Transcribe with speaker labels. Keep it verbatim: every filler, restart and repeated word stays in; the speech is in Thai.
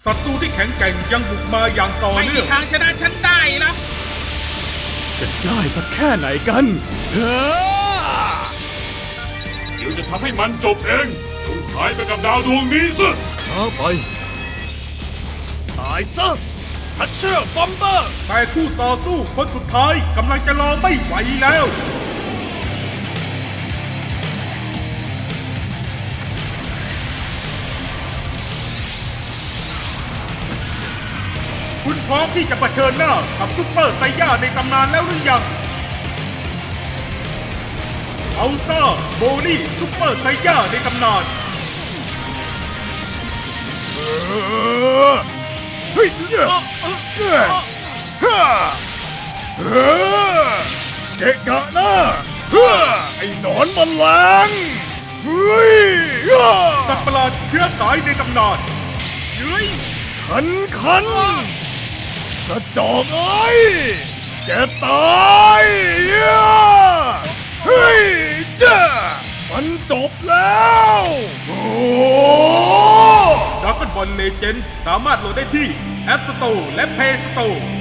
Speaker 1: ศัตรูที่แข็งแกร่งยังบุกมาอย่างต่อ
Speaker 2: ไม่
Speaker 1: เนื่
Speaker 2: มี
Speaker 1: อง
Speaker 2: ทางชนะฉันได้หรอก
Speaker 3: จะได้สักแค่ไหนกันเฮ้อ
Speaker 4: เดี๋ยวจะทำให้มันจบเองจงหายไปกับดาวดวงนี้ซะ
Speaker 3: ช้าไปตายซะทัชเชอร์บอมเบอร์
Speaker 1: แต่คู่ต่อสู้คนสุดท้ายกำลังจะรอไม่ไหวแล้ว คุณพร้อมที่จะเผชิญหน้ากับซุปเปอร์ไซย่าในตำนานแล้วหรือยังอัลต้าโบลี่ซุปเปอร์ไซย่าในตำนาน
Speaker 3: เฮ้ยเฮ้ยเฮ้ยเฮ้ยเกะกะนะเฮ้ยไอ้หนอนมันแรงเฮ้ย
Speaker 1: สัตว์ประหลาดเชื้อสายในตำนาน
Speaker 2: เฮ้ย
Speaker 3: ขันขันกระจอกเอ้ยแกตายเฮ้ยเจ้ามันจบแล้วโอ้
Speaker 1: ดราก้อนบอลเลเจนด์สามารถโหลดได้ที่ App Store และ Play Store